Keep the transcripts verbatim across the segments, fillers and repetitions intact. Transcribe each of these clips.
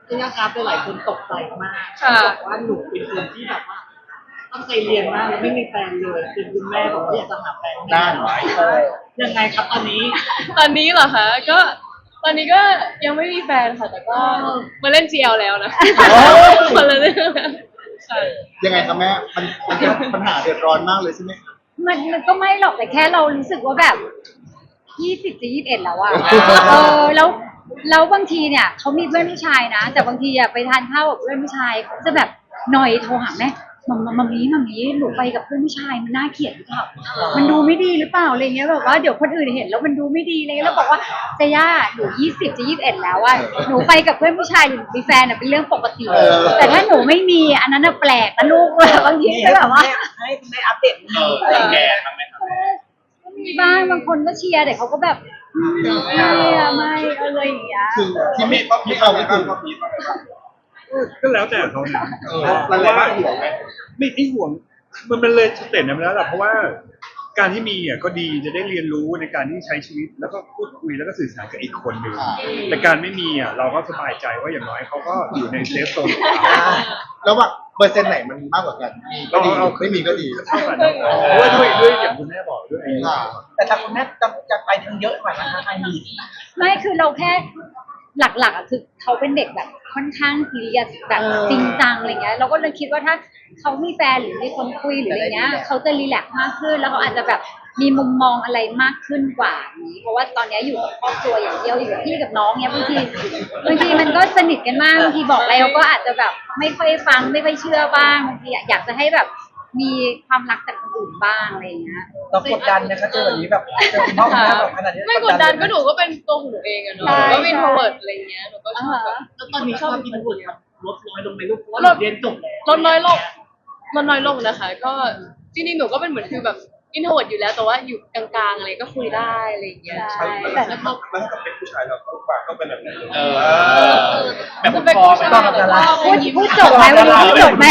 ที่นะครับหลายคนตกใจมากบอกว่าหนูเป็นคนที่แบบว่าตั้งใจเรียนมากแล้วไม่มีแฟนเลยคือคุณแม่บอกว่าอยากจะหาแฟนด้านไหนยังไงครับตอนนี้ตอนนี้เหรอคะก็ตอนนี้ก็ยังไม่มีแฟนค่ะแต่ก็มาเล่น จี แอล แล้วนะคนละเรื่องยังไงครับแม่มันมันเป็นปัญหาเดือดร้อนมากเลยใช่ไหมมันมันก็ไม่หรอกแต่แค่เรารู้สึกว่าแบบยี่สิบจะยี่สิบเอ็ดแล้วอะเออแล้วแล้วบางทีเนี่ยเขามีเพื่อนผู้ชายนะแต่บางทีอะไปทานข้าวกับเพื่อนผู้ชายเขาจะแบบหน่อยโทรหาแม่มัมมัมมัมนี้มัมนี้หนูไปกับเพื่อนผู้ชายมันน่าเกลียดหรือเปล่ามันดูไม่ดีหรือเปล่าอะไรเงี้ยแบบว่าเดี๋ยวคนอื่นเห็นแล้วมันดูไม่ดีเลยแล้วบอกว่าเจย่าหนูยี่สิบจะยี่สิบเอ็ดแล้วอะหนูไปกับเพื่อนผู้ชายหรือมีแฟนอะเป็นเรื่องปกติแต่ถ้าหนูไม่มีอันนั้นอะแปลกนะลูกบางทีก็แบบว่าให้คุณแม่อัปเดตเออแก่ทำไหมครับมีบ้างบางคนก็เชียร์แต่เขาก็แบบไม่ไม่อะไรอย่างเงี้ยคือที่ไม่ที่เขาไม่คือก็แล้วแต่เขามันอะไรบ้างห่วงไหมไม่ไม่ห่วงมันมันเลยสเต็ปนั้นแล้วแหละเพราะว่าการที่มีอ่ะก็ดีจะได้เรียนรู้ในการที่ใช้ชีวิตแล้วก็พูดคุยแล้วก็สื่อสารกับอีกคนหนึ่งแต่การไม่มีอ่ะเราก็สบายใจว่าอย่างน้อยเขาก็อยู่ในเซฟโซนแล้วว่าเปอร์เซ็นต์ไหนมันมากกว่ากันมีก็ดีไม่มีก็ดีเท่ากันเพราะว่าด้วยด้วยอย่างคุณแม่บอกด้วยแต่ถ้าคุณแม่จะจะไปทางเยอะกว่านะคะไอมีไม่คือเราแค่หลักๆอ่ะคือเขาเป็นเด็กแบบค่อนข้างซีเรียสแบบจริงจังอะไรเงี้ยเราก็เลยคิดว่าถ้าเขามีแฟนหรือมีคนคุยหรืออะไรเงี้ยเขาจะรีแลกซ์มากขึ้นแล้วเขาอาจจะแบบมีมุมมองอะไรมากขึ้นกว่านี้เพราะว่าตอนนี้อยู่กับครอบครัวอย่างเดียวอยู่กับพี่กับน้องเนี้ยบางทีบางทีมันก็สนิทกันมากบางทีบอกอะไรเราก็อาจจะแบบไม่ค่อยฟังไม่ค่อยเชื่อบ้างบางทีอยากจะให้แบบมีความรักจากคนอื่นบ้างอะไรอย่างเงี้ยเรากดดันนะคะเจอแบบนี้แบบเจอพ่อแม่แบบขนาดนี้ไม่กดดันก็หนูก็เป็นตัวหนูเองอะเนาะก็มีโทรเวิร์ดอะไรเงี้ยหนูก็ชอบแล้วตอนนี้ชอบกินบุญลดน้อยลงไหมลูกเพราะว่าเรียนจบแล้วลดน้อยลงลดน้อยลงนะคะก็จริงๆหนูก็เป็นเหมือนคือแบบอินโทรเวิร์ดอยู่แล้วแต่ว่าอยู่กลางๆอะไรก็คุยได้อะไรอย่างเงี้ยใช่แต่แล้วถ้าเป็นผู้ชายเราต้องปากต้องเป็นแบบไหนเออแบบเป็นผู้ชายแต่ว่าพูดพูดจบไหมวันนี้พูดจบไหม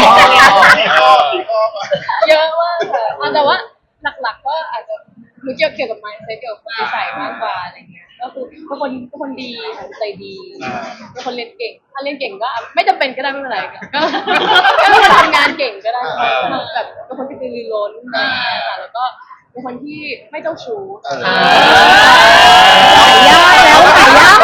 เยอะมากค่ะแต่ว่าหลักๆก็อาจจะหนูเกี่ยวเกี่ยวกับ mindset เกี่ยวกับนิสัยมากกว่าอะไรเงี้ยก็คือเป็นคนเป็นคนดีใจดีเป็นคนเรียนเก่งถ้าเรียนเก่งก็ไม่จำเป็นก็ได้ไม่เป็นไรก็ก็ทำงานเก่งก็ได้แบบเป็นคนที่ตื่นร้นค่ะแล้วก็เป็นคนที่ไม่เจ้าชู้ขายยากแล้วขายยาก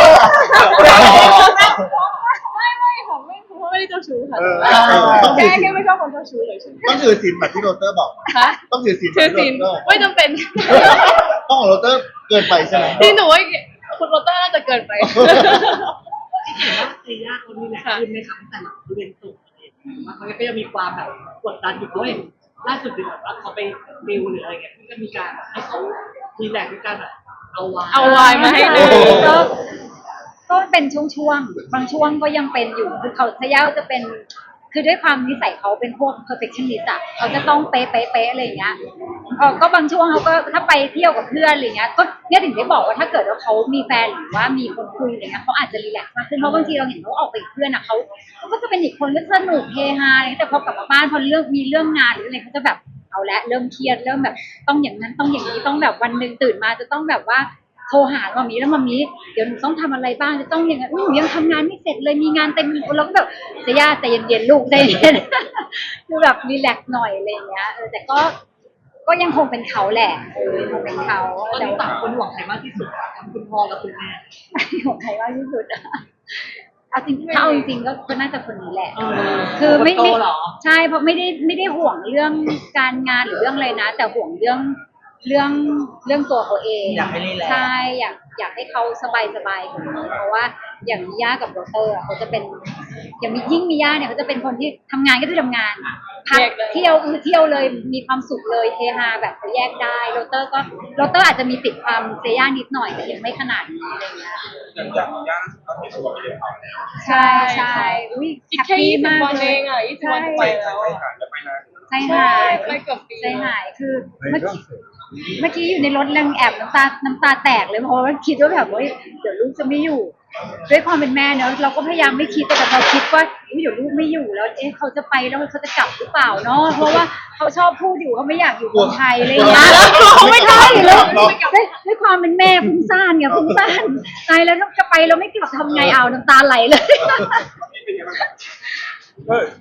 ไม่ไม่ค่ะไม่เพราะไม่ได้เจ้าชู้ค่ะแค่แค่ไม่ชอบคนเจ้าชู้เลยต้องถือศีลแบบที่โรเตอร์บอกต้องถือศีลถือศีลไม่จำเป็นต้องของโรเตอร์เกินไปใช่ไหมที่หนูว่าคุณโรเตอร์น่าจะเกินไปที่เห็นว่าเซียคนนี้แหละขึ้นในครั้งแต่ละเรียนจบว่าเขาก็ยังมีความแบบกดดันอยู่ด้วยล่าสุดคือแบบว่าเขาไปดิวหรืออะไรเงี้ยก็มีการให้เขารีแลกซ์ด้วยการแบบเอาวายเอาวายมาให้ดูก็ก็เป็นช่วงๆบางช่วงก็ยังเป็นอยู่คือเขาเซียจะเป็นคือด้วยความนิสัยเขาเป็นพวก perfectionist อ่ะเขาจะต้องเป๊ะเป๊ะเป๊ะอะไรอย่างเงี้ยเออก็บางช่วงเขาก็ถ้าไปเที่ยวกับเพื่อนอะไรเงี้ยก็เนี่ยถึงได้บอกว่าถ้าเกิดว่าเขามีแฟนหรือว่ามีคนคุยอะไรเงี้ยเขาอาจจะรีแลกซ์มากขึ้นเพราะบางทีเราเห็นเขาออกไปกับเพื่อนอ่ะเขาเขาก็จะเป็นอีกคนก็สนุกเฮฮาอะไรแต่พอกลับมาบ้านพอเรื่องมีเรื่องงานหรืออะไรเขาจะแบบเอาละเริ่มเครียดเริ่มแบบต้องอย่างนั้นต้องอย่างนี้ต้องแบบวันนึงตื่นมาจะต้องแบบว่าโทรหามามีแล้วมามีเดี๋ยวหนูต้องทำอะไรบ้างจะต้องยังไงหนูยังทำงานไม่เสร็จเลยมีงานเต็มเราก็แบบเสียใจเย็นๆลูกใจเย็นคือแบบรีแลกซ์หน่อยอะไรอย่างเงี้ยเออแต่ก็ก็ยังคงเป็นเขาแหละเออคงเป็นเขาแต่ต่างคนหวังใครมากที่สุดทั้งคุณพ่อและคุณแม่หวังใครมากที่สุดอะเอาจริงถ้าเอาจริงๆก็ก็น่าจะคนนี้แหละคือไม่ไม่ใช่เพราะไม่ได้ไม่ได้ห่วงเรื่องการงานหรือเรื่องอะไรนะแต่ห่วงเรื่องเรื่องเรื่องตัวเขาเองอยากให้รีแลกซ์ใช่อยากอยากให้เขาสบายสบายกว่านี้เพราะว่าอย่างมิย่ากับโรเตอร์เขาจะเป็นอย่างยิ่งมิย่าเนี่ยเขาจะเป็นคนที่ทำงานก็คือทำงานพักเที่ยวคือเที่ยวเลยมีความสุขเลยเฮฮาแบบเขาแยกได้โรเตอร์ก็โรเตอร์อาจจะมีติดความเซย่านิดหน่อยแต่ยังไม่ขนาดนี้อะไรเงี้ยอย่างมิย่าก็มีตัวเรียนเอาแล้วใช่ใช่อุ้ยแฮปปี้มากวันเองอ่ะยี่สิบวันไปแล้วใจหายไปเกือบปีใจหายคือเมื่อกี้เมื่อกี้อยู่ในรถเรื่องแอบน้ำตาน้ำตาแตกเลยเพราะว่าคิดว่าแบบว่าเดี๋ยวลูกจะไม่อยู่ด้วยความเป็นแม่เนอะเราก็พยายามไม่คิดแต่พอคิดว่าเดี๋ยวลูกไม่อยู่แล้วเอ๊ะเขาจะไปแล้วเขาจะกลับหรือเปล่าเนาะเพราะว่าเขาชอบพูดอยู่เขาไม่อยากอยู่เมืองไทยอะไรอย่างเงี้ยเขาไม่ใช่แล้วด้วยความเป็นแม่ฟุ้งซ่านไงฟุ้งซ่านตายแล้วจะไปเราไม่กลับทำไงเอาน้ำตาไหลเลย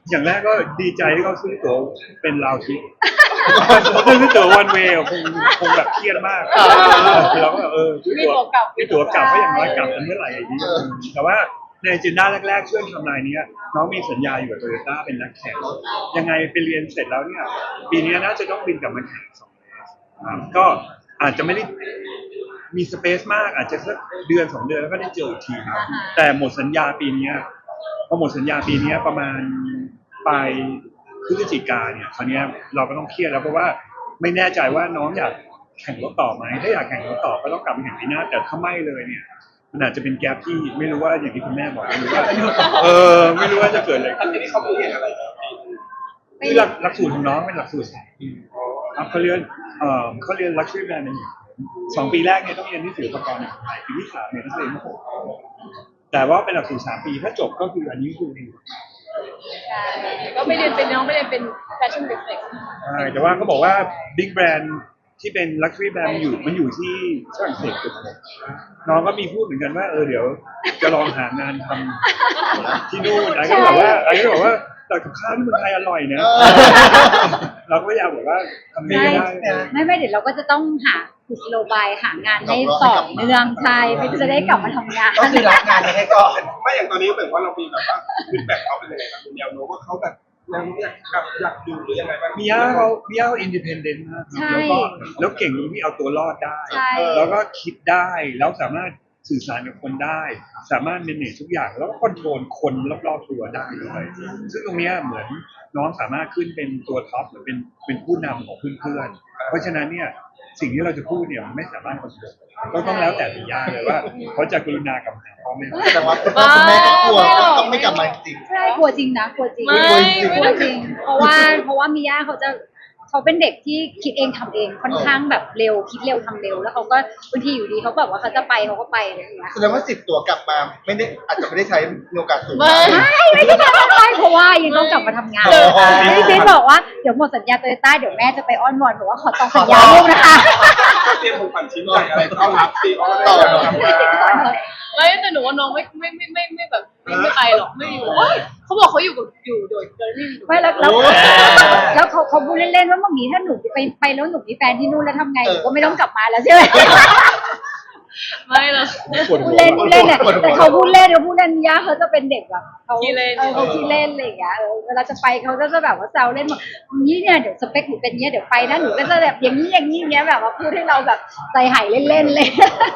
อย่างแรกก็ดีใจที่เขาซื้อตั๋วเป็นราวทริปเขาซื้อตั๋ววันเวย์คงคงแบบเครียดมากเราก็แบบเออซื้อมีตั๋วตัวกลับมีตั๋วกลับก็อย่างน้อยกลับกันเมื่อไหร่อย่างนี้แต่ว่าในจินด้าแรกๆช่วงทำนายนี้น้องมีสัญญาอยู่กับโตโยต้าเป็นนักแข่งยังไงไปเรียนเสร็จแล้วเนี่ยปีนี้น่าจะต้องบินกลับมาแข่งสองครับก็อาจจะไม่ได้มีสเปซมากอาจจะสักเดือนสองเดือนแล้วก็ได้เจออีกทีครับแต่หมดสัญญาปีนี้พอหมดสัญญาปีนี้ประมาณปลายพฤศจิกาเนี่ยคราวนี้เราก็ต้องเครียดแล้วเพราะว่าไม่แน่ใจว่าน้องอยากแข่งรถต่อไหมถ้าอยากแข่งรถต่อก็ต้องกลับมาแข่งปีหน้าแต่ถ้าไม่เลยเนี่ยมันอาจจะเป็นแกลบที่ไม่รู้ว่าอย่างที่คุณแม่บอกไม่รู้ว่าเออไม่รู้ว่าจะเกิดอะไรขึ้นทีนี้เขาพูดเห็นอะไรคือหลักหลักสูตรของน้องเป็นหลักสูตรสามปีครับเขาเรียนเอ่อเขาเรียน luxury management สองปีแรกเนี่ยต้องเรียนที่ศิลปากรในไทยปีที่สามเนี่ยต้องเรียนที่หกแต่ว่าเป็นหลักสูตรสามปีถ้าจบก็คืออันนี้คือใช่ก็ไม่เรียนเป็นน้องไม่เรียนเป็น fashion business ใช่แต่ว่าเขาบอกว่า big brand ที่เป็น luxury brand มันอยู่มันอยู่ที่ฝรั่งเศสกับน้องก็มีพูดเหมือนกันว่าเออเดี๋ยวจะลองหางานทำที่นู่นไอ้ก็บอกว่าไอ้ก็บอกว่าแต่กับข้าวที่เมืองไทยอร่อยนะเราก็อยากบอกว่าทำไม่ใช่ได้ไม่ไม่เดี๋ยวเราก็จะต้องหากุศโลบายหางานให้ต่อเนื่องใช่เพื่อจะได้กลับมาทำงานก็คือรับงานให้ก่อนไม่อย่างตอนนี้แบบว่าเรามีแบบว่าฟีดแบ็กเขาเป็นยังไงครับคุณแนวโน้มว่าเขาแบบแนวโน้มอยากกลับอยากดูหรือยังไงบ้างมีย่าเขามีย่าเขาอินดิเพนเดนต์มากครับแล้วก็แล้วเก่งตรงที่เอาตัวรอดได้ใช่แล้วก็คิดได้แล้วสามารถสื่อสารกับคนได้ สามารถเมเนจทุกอย่างแล้วก็คอนโทรลคนรอบๆตัวได้ด้วยซึ่งตรงเนี้ยเหมือนน้องสามารถขึ้นเป็นตัวท็อปหรือเป็นเป็นผู้นำของเพื่อนๆเพราะฉะนั้นเนี่ยสิ่งที่เราจะพูดเนี่ยมันไม่สามารถคอนโทรลก็ต้องแล้วแต่ตัวย่าเลยว่าเขาจะกรุณากลับมาหาพ่อแม่แต่ว่าคุณพ่อคุณแม่ก็กลัวว่าต้องไม่กลับมาจริงใช่กลัวจริงนะกลัวจริงไม่กลัวจริง เพราะว่าเพราะว่ามิย่าเขาจะเขาเป็นเด็กที่คิดเองทำเองค่อนข้างแบบเร็วคิดเร็วทำเร็วแล้วเขาก็บางทีอยู่ดีเขาแบบว่าเขาจะไปเขาก็ไปอะไรอย่างเงี้ยแสดงว่าสิบตัวกลับมาไม่ได้อาจจะไม่ได้ใช้มีโอกาสสูงไม่ไม่ไม่ใช่การไปเพราะว่ายังต้องกลับมาทำงานเออพี่พีทบอกว่าเดี๋ยวหมดสัญญาโตโยต้าเดี๋ยวแม่จะไปอ้อนวอนบอกว่าขอต่อสัญญาลูกนะคะเตรียมของขวัญชิ้นใหญ่อะไรต้อนรับซีออสต่อกลับมาไม่แต่หนูว่าน้องไม่ไม่ไม่ไม่ไม่แบบไม่ไม่ไปหรอกไม่อยู่เฮ้ยเขาบอกเขาอยู่กับอยู่โดยโดยไม่มีหนูไม่แล้วแล้วแล้วเขาเขาพูดเล่นๆว่ามัมมี่ถ้าหนูไปไปแล้วหนูมีแฟนที่นู่นแล้วทำไงหนูก็ไม่ต้องกลับมาแล้วใช่ไหมไม่หรอกปวดหัพูวดเล่นพูดเล่นเนี่ยแต่เขาพูดเล่นเขาพูดเล่นย่าเขาจะเป็นเด็กแบบเขาขี้เล่นเออเขาขี้เล่นอะไรอย่างเงี้ยเออเวลาจะไปเขาก็จะแบบว่าแซวเล่นบอกนี่เนี่ยเดี๋ยวสเปคหนูเป็นเนี้ยเดี๋ยวไปนะหนูก็จะแบบอย่างนี้อย่างนี้อย่างเงี้ยแบบว่าพูดให้เราแบบใจหายเล่นๆเลย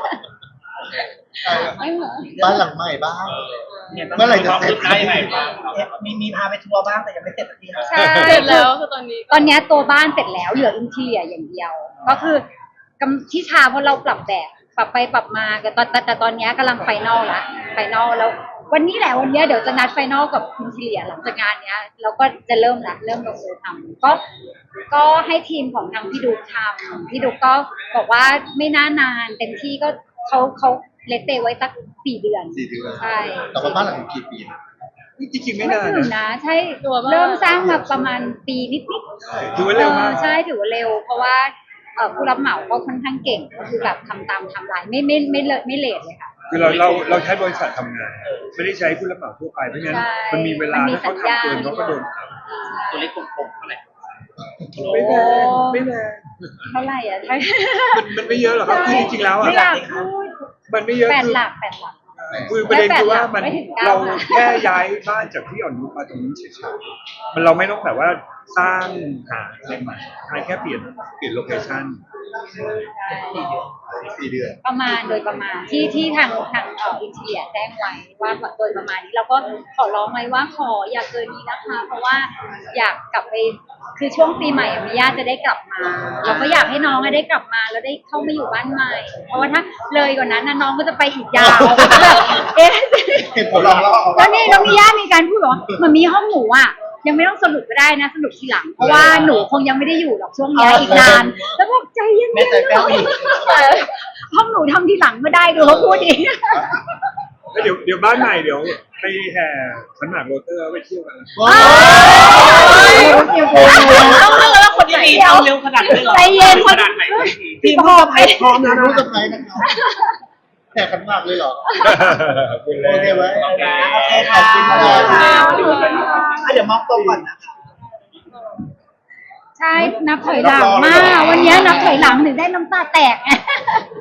ไม่เหมือนบ้านหลังใหม่บ้างเมื่อไหร่จะเสร็จมีมีพาไปทัวร์บ้างแต่ยังไม่เสร็จสักทีครับใช่เสร็จแล้วคือตอนนี้ตอนเนี้ยตัวบ้านเสร็จแล้วเหลืออินทีเรียอย่างเดียว ก็คือกำที่ชาเพราะเราปรับแบบปรับไปปรับมาแต่ตอนแต่แต่ตอนเนี้ยกำลังไฟนอลละไฟนอลแล้ว วันนี้แหละวันเนี้ยเดี๋ยวจะนัดไฟนอลกับอินทีเรียหลังจากงานเนี้ยเราก็จะเริ่มละเริ่มลงมือทำก็ก็ให้ทีมของทางพี่ดุ๊กทำพี่ดุ๊กก็บอกว่าไม่น่านานเต็มที่ก็เขาเขาเลตเตไว้สักสี่เดือนสี่เดือนใช่แต่ว่าบ้านหลังนี้กี่ปีนะจริงๆไม่ไม่นานถึงนะนะใช่ตัวบ้านเริ่มสร้างมาประมาณปีนิดๆถือว่าเร็วมากออใช่ถือว่าเร็ว เพราะว่าเอ่อผู้รับเหมาก็ค่อนข้างเก่งก็คือแบบทำตามไทำลายไม่ไม่ไม่เลไม่เลทเลยค่ะคือเราเราเราใช้บริษัททำงาน ไม่ได้ใช้ผู้รับเหมาทั่วไปเพราะฉะนั้นใช่มันมีเวลามันมีถ้าเขาสัญญาทำเกินเขาก็โดนตัวเล็กกลมๆเท่าไหร่ไม่แพงไม่แพงเท่าไหร่อ่ะใช่มันมันไม่เยอะหรอกครับคือจริงๆแล้วอ่ะไม่อยากพูดมันไม่เยอะแปดคือหลักแปดหลักคือประเด็นคือว่ามันไม่ถึงเก้าเราหลักแค่ย้ายบ้านจากที่อ่อนนุชมาตรงนี้เฉยๆมันเราไม่ต้องแบบว่าสร้างหาอะไรใหม่แค่เปลี่ยนเปลี่ยนโลเคชั่นสี่เดือนประมาณโดยประมาณที่ที่ทางทางเอ่ออินเทียแจ้งไว้ว่าโดยประมาณนี้เราก็ขอร้องไว้ว่าขออย่าเกินนี้นะคะ เพราะว่าอยากกลับไปคือช่วงปีใหม่อะมิย่าจะได้กลับมา เราก็อยากให้น้องอะได้กลับมาแล้วได้เข้ามาอยู่บ้านใหม่ เพราะว่าถ้าเลยกว่านั้นนะน้องก็จะไปอีกยาวก็จะแบบเอ๊ะเหตุผลเราเราเอาแล้วนี่น้องมิย่ามีการพูดบอกว่ามันมีห้องหนูอ่ะยังไม่ต้องสรุปก็ได้นะสรุปทีหลังเพราะว่าหนูคงยังไม่ได้อยู่หรอกช่วงเนี้ยอีกนาน แล้วบอกใจเย็นๆแม่ใจแป้วอีกเออห้องหนูทำทีหลังไม่ได้ดูเขาพูดอีกแล้วเดี๋ยวเดี๋ยวบ้านใหม่เดี๋ยวไปแห่ขันหมากโรเตอร์ไปเที่ยวกันนะว้าวต้องเลือกแล้วคนไหนทำเร็วขนาดนี้เหรอใจเย็นขนาดไหนทีมพ่อไปพร้อมนะรู้สไพรส์นะครับแข่กันมากเลยเหรอคุณเลโอย เคไหมโอเคขอบคุณมากค่ะเดี๋ยวมองตรงก่อนนะคะใช่นับถอยหลังมากวันนี้นับถอยหลังถึงได้น้ำตาแตกไง